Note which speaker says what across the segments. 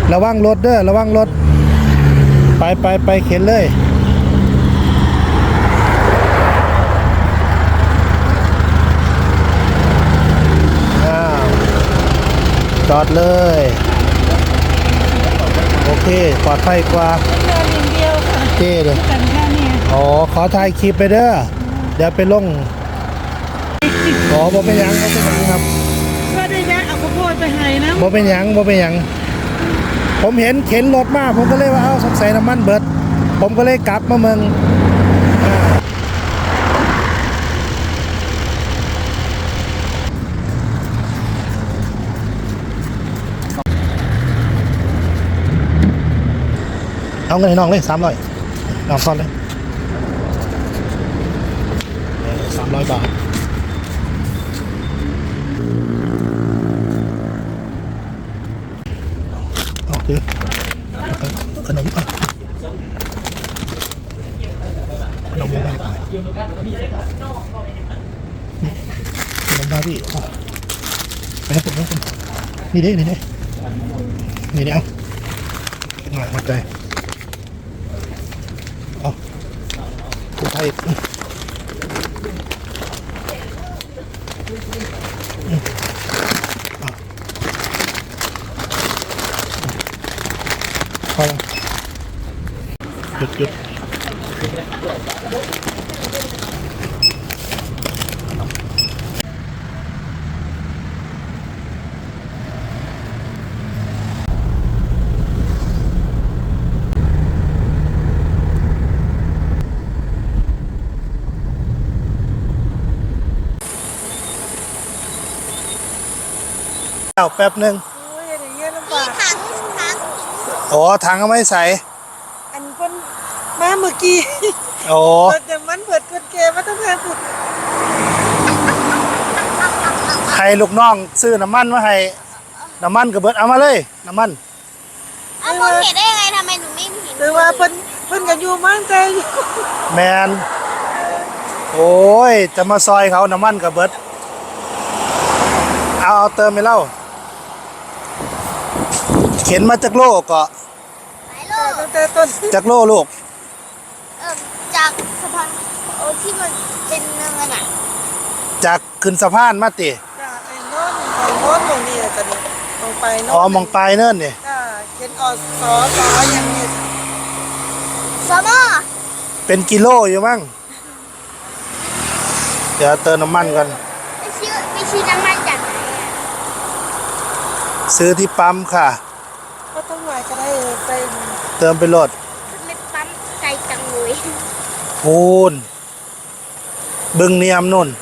Speaker 1: ระวังรถเด้อระวังรถไปเข็นเลยจอดเลยโอเคปลอดภัยกว่าเจ๊เลยอ๋อขอถ่ายคลิปไปเด้อเดี๋ยวไปลงอ๋อบ่เป็นหยังบ่เป็นหยังครับ
Speaker 2: ก็ได้แวะเอาข้าวโพดไปให้นะ
Speaker 1: บ่เป็นหยังผมเห็นเข็นรถมาผมก็เลยว่าเอาสงสัยน้ำมันเบิดผมก็เลยกลับมาเมืองเอาเงินให้น้องเลย300น้องซ่อนเลย300 บาทเอาถือขนมขนมยังไงขนมได้พี่ไปให้ผมนี่ดิเอาหน่อยมาใจเอาผู้ไทยพอหยุดแป๊บหนึ่งอ๋อถังก็ไม่ใส่
Speaker 2: อันคนมาเมื่อกี้
Speaker 1: โอ้
Speaker 2: แต่มันเปิดคนเกมมาต้องแพงสุด
Speaker 1: ให้ลูกน้องซื้อน้ำมันมาให้น้ำมันกับเบิดเอามาเลยน้ำมัน
Speaker 3: เอามองเห็นได้ยังไงทำไมหนูไม่เห็น
Speaker 2: หรือว่าเพิ่นกันอยู่มั่งใจอยู่
Speaker 1: แมนโอ้ยจะมาซอยเขาน้ำมันกับเบิดเอาเติมไปเล่าเข็นมาจากโลกก็
Speaker 2: ตั้งแต่ต้น
Speaker 1: จากโลลูก
Speaker 3: จากสะพานที่มันเป็นเนินอ่ะ
Speaker 1: จากขึ้นสะพานมาติ
Speaker 2: จากไอ้โน้นตรงนี้จะนี่ลงไปโน้น
Speaker 1: อ๋อมองไปเนิ่นนี่
Speaker 2: เข็นอสอย่างนี้
Speaker 3: สมอ
Speaker 1: เป็นกิโลอยู่มั้งเดี๋ยวเติมน้ำมันกัน
Speaker 3: ไม่ชื่อน้ำมันจากไหน
Speaker 1: ซื้อที่ปั๊มค่ะ
Speaker 2: ก็ต้องไหวก็ได้ไป
Speaker 1: เติมไปโหลด
Speaker 3: ไม่ปั๊มไกลจังเลย
Speaker 1: พูนบึงเนียมนุ่น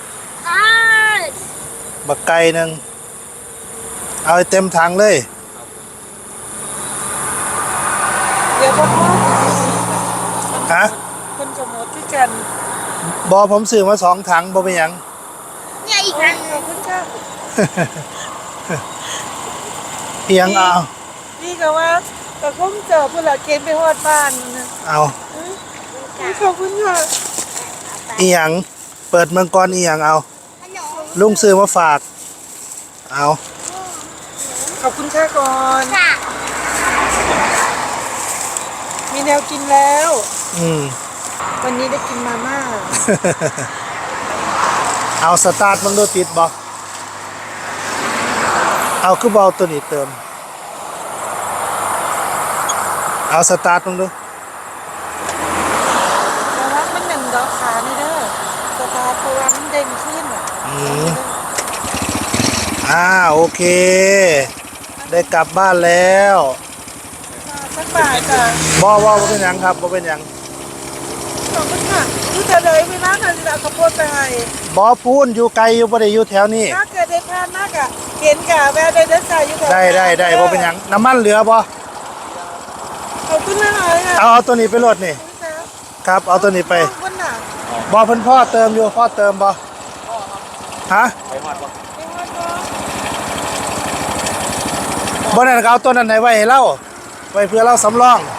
Speaker 1: บักไก่นึงเอาเต็มถังเลย
Speaker 2: เดี๋ยวพ่อ
Speaker 1: ฮะ
Speaker 2: คนจะหมดที่กัน
Speaker 1: บอผมซื้อมา2 ถังบอเป็นยัง
Speaker 3: เนี่ยอีกนะ
Speaker 2: ขอบคุณค่ะ
Speaker 1: เอียงเอา
Speaker 2: นี่ก็ว่าแต่คงเจอผู้หลักเกณฑ์ไปฮอดบ้าน
Speaker 1: เอา
Speaker 2: ขอบคุณค่ะ
Speaker 1: เอียงเปิดเมืองก่อนเอียงเอาลุงซื้อมาฝากเอา
Speaker 2: ขอบคุณค่ะก่อน
Speaker 3: ค่ะ
Speaker 2: มีแนวกินแล้ววันนี้ได้กินมาม่า
Speaker 1: เอาสตาร์ทมันดูติดบ่เอาคือเบาตัวนี้เติมเอาสตาร์ทมันดู
Speaker 2: แต่ว่ามันหนึ่งดอกขานี่เด้อสตาร์ทตัวมันเด้งขึ้น
Speaker 1: โอเคได้กลับบ้านแล้ว
Speaker 2: สักบ่ายจ้ะ
Speaker 1: บ่เป็นหยังครับบ่เป็นหยัง
Speaker 2: ขอบคุณค่ะรู้จะเลยไม่น่าจะเอาข้าวโพดไปให้
Speaker 1: บ่พูนอยู่ไกลอยู่บ่ได้อยู่แถวนี้
Speaker 2: ถ้าเกิดได้พลาดมากอ่ะเห็นกะแวะได้เด้อจ่ายอยู่
Speaker 1: ได้บ่เป็นหยังน้ำมันเหลือบ่
Speaker 2: ขอบคุณมากเลยค่ะ
Speaker 1: เอาตัวนี้ไปโหลดนี่ครับเอาตัวนี้ไปบ่เพิ่นพ่อเติมอยู่พ่อเติมบ่ฮะบ่นั่นก็เอาตัวนั้นให้ไว้ให้เราไว้เพื่อเราสำรอง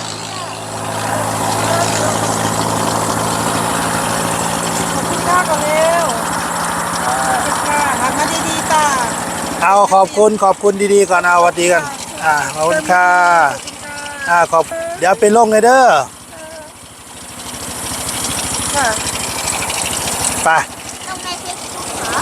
Speaker 2: ข้าก่อนเร็วค่ะทำมาดีๆจ้า
Speaker 1: เอาขอบคุณดีๆก่อนเอาสวัสดีกันขอบคุณค่ะขอบเดี๋ยวไปลงเลยเด้อ
Speaker 2: ค่ะ
Speaker 1: ไป
Speaker 3: ต้องในเฟซบุ๊กเหรอ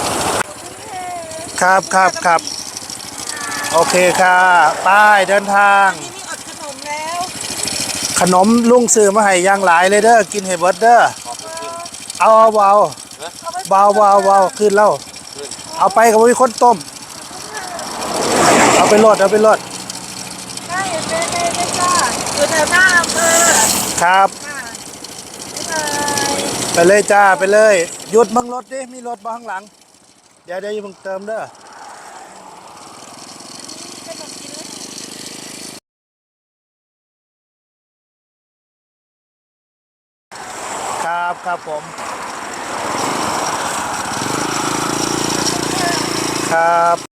Speaker 1: ครับโอเคค่ะไปเดินทาง
Speaker 2: นี่มีอดขนมแล้ว
Speaker 1: ขนมลุงซื้อมาให้อย่างหลายเลยเด้อกินให้เบิดเด้อเอาเบาขึ้นแล้วเอาไปกับมีคนต้มเอาไปรด
Speaker 2: ได้ได้จ้าอยู่แถวหน้าอำเภอ
Speaker 1: ครับ
Speaker 2: ค่ะบ๊ายบาย
Speaker 1: ไปเลยจ้าไปเลยหยุดบังรถดิมีรถมาข้างหลังเดี๋ยวอย่าเพิ่งเติมเด้อครับผมครับ